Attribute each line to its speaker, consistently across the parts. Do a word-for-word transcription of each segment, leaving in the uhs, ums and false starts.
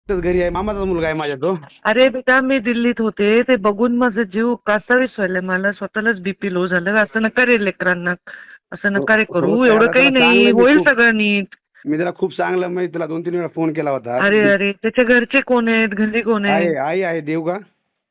Speaker 1: तर घरी आहे, मामाचा मुलगा आहे माझ्या तो.
Speaker 2: अरे बेटा मी दिल्लीत होते ते बघून माझा जीव कासावीस व्हायला, मला स्वतःलाच बीपी लो झालं. असं नका रे लेकरांना, असं
Speaker 1: हो
Speaker 2: नका रे
Speaker 1: हो
Speaker 2: करू,
Speaker 1: ताई,
Speaker 2: एवढं
Speaker 1: आता
Speaker 2: काही
Speaker 1: त्याला
Speaker 2: नाही,
Speaker 1: चांगलं मी
Speaker 2: होईल
Speaker 1: खूप
Speaker 2: सगळं नीट.
Speaker 1: मी त्याला खूप चांगलं म्हणजे तुला दोन तीन वेळा फोन केला होता.
Speaker 2: अरे अरे त्याच्या घरचे कोण आहेत, घरी कोण
Speaker 1: आहे
Speaker 2: आहेत?
Speaker 1: आई आहे देव का.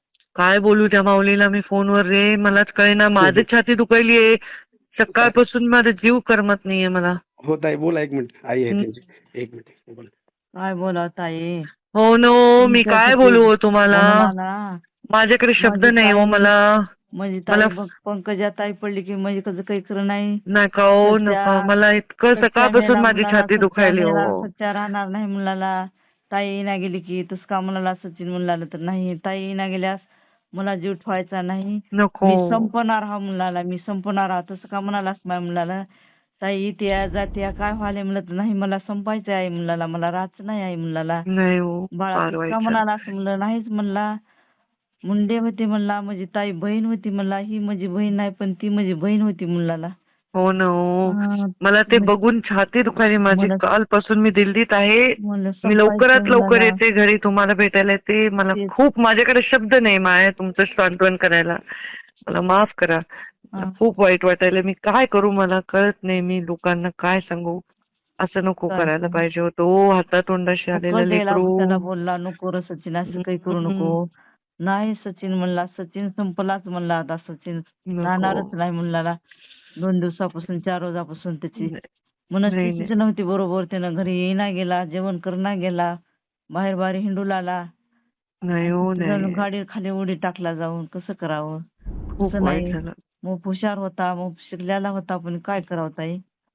Speaker 2: काय बोलू त्या माऊलीला मी फोनवर रे, मलाच कळेना, माझी छाती दुखायलीये सकाळपासून, माझा जीव करमत नाहीये मला.
Speaker 1: हो ताई बोला, एक मिनिट आई आहे
Speaker 2: हं.
Speaker 1: त्यांची, एक मिनिट बोला.
Speaker 3: काय बोला ताई,
Speaker 2: हो नो, मी काय
Speaker 3: तुमच्यासाठी
Speaker 2: बोलू हो तुम्हाला,
Speaker 3: म्हणून ना
Speaker 2: माझ्याकडे शब्द
Speaker 3: माझी
Speaker 2: नाही हो
Speaker 3: ताई-
Speaker 2: मला.
Speaker 3: माझी
Speaker 2: मला
Speaker 3: ताई बघ, पंकजा ताई पडली की म्हणजे कसं काही खरं नाही.
Speaker 2: नका हो
Speaker 3: सच्चा-
Speaker 2: नका, मला इतकं
Speaker 3: सच्चा
Speaker 2: सकाळपासून
Speaker 3: मेला
Speaker 2: माझी
Speaker 3: मुलाला,
Speaker 2: छाती
Speaker 3: सच्चा
Speaker 2: दुखायली
Speaker 3: मेला,
Speaker 2: हो.
Speaker 3: सच्चा राहणार नाही मुलाला. ताई ना गेली की तस का मुलाला सचिन मुलाला तर नाही, ताई ना गेल्यास मला जीव ठेवायचा नाही,
Speaker 2: नको
Speaker 3: मी संपणार हा मुलाला, मी संपणार हा, तसं का म्हणालास माझ्या मुलाला. ताई त्या जात्या काय व्हायला म्हणलं तर नाही, मला संपायचं आहे मुलाला, मला राहायचं नाही आहे मुलाला.
Speaker 2: नाही हो,
Speaker 3: बाळा
Speaker 2: फार
Speaker 3: तसं
Speaker 2: वाईट
Speaker 3: का
Speaker 2: झालं.
Speaker 3: म्हणाला असं म्हणलं, नाहीच म्हणला. मुंडे होते म्हणला, माझी ताई बहीण होती म्हणला, ही माझी बहीण नाही पण ती माझी बहीण होती मुलाला.
Speaker 2: हो ना हो,
Speaker 3: हा,
Speaker 2: मला ते
Speaker 3: मग-
Speaker 2: बघून छाती दुखायली माझी.
Speaker 3: मला-
Speaker 2: कालपासून मी दिल्लीत आहे,
Speaker 3: म्हणलं
Speaker 2: मी लवकरात
Speaker 3: संपायचं
Speaker 2: लवकर
Speaker 3: मुलाला.
Speaker 2: येते घरी तुम्हाला भेटायला येते. मला
Speaker 3: तेच.
Speaker 2: खूप, माझ्याकडे शब्द नाही माया तुमचं सांत्वन करायला, मला माफ करा. मला
Speaker 3: हा.
Speaker 2: खूप वाईट वाटायला, मी काय करू मला कळत नाही, मी लोकांना काय सांगू. असं नको
Speaker 3: काय
Speaker 2: करायला
Speaker 3: सांगू?
Speaker 2: पाहिजे होतं ओ, हातातोंडाशी आलेलं
Speaker 3: उकल द्यायला
Speaker 2: लेकरू.
Speaker 3: त्याला बोलला, नको रे सचिन असं काही करू नको. नाही सचिन म्हणला, सचिन संपलाच म्हणला, आता सचिन
Speaker 2: नको.
Speaker 3: राहणारच नाही मुलाला. दोन दिवसापासून चार रोजापासून त्याची
Speaker 2: नाही,
Speaker 3: मनस्थितीच नव्हती बरोबर, त्यानं घरी येईना गेला, जेवण करणा गेला, बाहेर बाहेर हिंडू लागला.
Speaker 2: नाही हो नाही,
Speaker 3: गाडी खाली उडी टाकला जाऊन, कसं करावं.
Speaker 2: खूप
Speaker 3: तसं
Speaker 2: वाईट
Speaker 3: नाही,
Speaker 2: झालं.
Speaker 3: मग हुशार होता, मग शिकलेला होता, पण काय करावं ताई.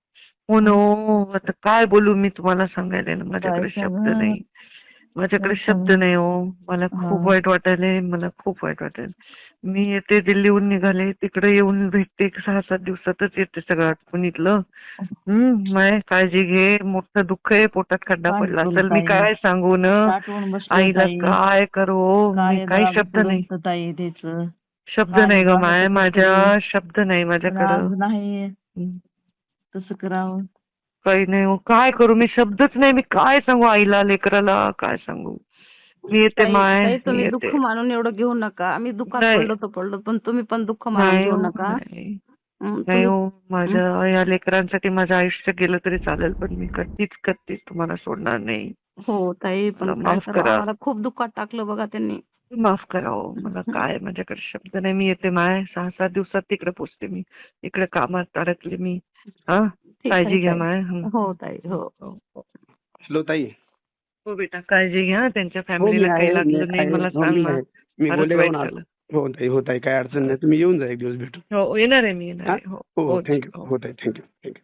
Speaker 2: हो ना हो, आता काय बोलू मी तुम्हाला सांगायला ना, माझ्याकडे
Speaker 3: काय
Speaker 2: शब्द
Speaker 3: सांगू?
Speaker 2: नाही, माझ्याकडे
Speaker 3: काय
Speaker 2: शब्द
Speaker 3: सांगू?
Speaker 2: नाही हो. मला
Speaker 3: हा.
Speaker 2: खूप वाईट वाटायलंय, मला खूप वाईट वाटायलंय. मी येते दिल्लीहून निघाले, तिकडे येऊन भेटते, सहा सात दिवसातच येते सगळं आटपून इथलं. हम्म, माय काळजी घे, मोठं दुःख आहे, पोटात खड्डा
Speaker 3: काय
Speaker 2: पडला
Speaker 3: करू
Speaker 2: असेल, मी
Speaker 3: ताई?
Speaker 2: काय सांगू न
Speaker 3: साठवून बसलो
Speaker 2: आईला,
Speaker 3: ताई.
Speaker 2: काय करू मी,
Speaker 3: काय
Speaker 2: काही
Speaker 3: जरा
Speaker 2: शब्द नाही,
Speaker 3: बुडवतं ताई त्याचं.
Speaker 2: शब्द
Speaker 3: काय
Speaker 2: नाही ग
Speaker 3: जरा
Speaker 2: माय,
Speaker 3: कसं
Speaker 2: माझ्या
Speaker 3: करू?
Speaker 2: शब्द नाही
Speaker 3: पण
Speaker 2: माझ्याकडं.
Speaker 3: आज नाही,
Speaker 2: हम्म.
Speaker 3: तसं करावं.
Speaker 2: काही नाही हो, काय करू मी, शब्दच नाही, मी काय सांगू आईला, लेकराला काय सांगू. मी येते
Speaker 4: ताई
Speaker 2: माय,
Speaker 4: ताई,
Speaker 2: मी
Speaker 4: तुम्ही
Speaker 2: येते.
Speaker 4: दुःख मानून एवढं घेऊ नका. आम्ही दुःखात
Speaker 2: नाही.
Speaker 4: पडलो तर पडलो, पण तुम्ही पण दुःख मानून
Speaker 2: नाही
Speaker 4: घेऊ
Speaker 2: हो,
Speaker 4: नका.
Speaker 2: नाही.
Speaker 4: हं,
Speaker 2: नाही
Speaker 4: तुम्ही
Speaker 2: हो, माझ्या या लेकरांसाठी माझं आयुष्य गेलं तरी चालेल, पण मी कधीच कधीच तुम्हाला सोडणार नाही.
Speaker 4: हो ताई, पण
Speaker 2: मला
Speaker 4: काय
Speaker 2: माफ
Speaker 4: करावं,
Speaker 2: करा.
Speaker 4: आम्हाला खूप दुःखात टाकलं बघा त्यांनी.
Speaker 2: माफ करा हो, मला काय, माझ्याकडे शब्द नाही. मी येते माय, सहा सात दिवसात तिकडे पोचते मी, इकडे कामात अडकले मी. हा,
Speaker 4: ठीक आहे
Speaker 2: काळजी घ्या
Speaker 4: ताई.
Speaker 2: माय. हं.
Speaker 4: हो ताई, हो.
Speaker 2: हो, हो.
Speaker 1: हॅलो ताई.
Speaker 2: हो बेटा, काळजी घ्या, त्यांच्या
Speaker 1: हो मी
Speaker 2: फॅमिलीला काही
Speaker 1: आहे, मी
Speaker 2: लागलं नाही
Speaker 1: आहे,
Speaker 2: मला
Speaker 1: हो,
Speaker 2: सांग
Speaker 1: मी
Speaker 2: ना.
Speaker 1: आहे. मी
Speaker 2: फारच
Speaker 1: गोलेगावहून
Speaker 2: वाईट
Speaker 1: आलो.
Speaker 2: झालं.
Speaker 1: हो ताई, हो ताई, काय अडचण नाही, तुम्ही येऊन जा एक दिवस भेटू.
Speaker 2: हो येणार आहे मी, येणार
Speaker 1: हा
Speaker 2: आहे. हो
Speaker 1: हो
Speaker 2: हो
Speaker 1: थँक्यू.
Speaker 2: हो.
Speaker 1: हो ताई, थँक्यू थँक्यू.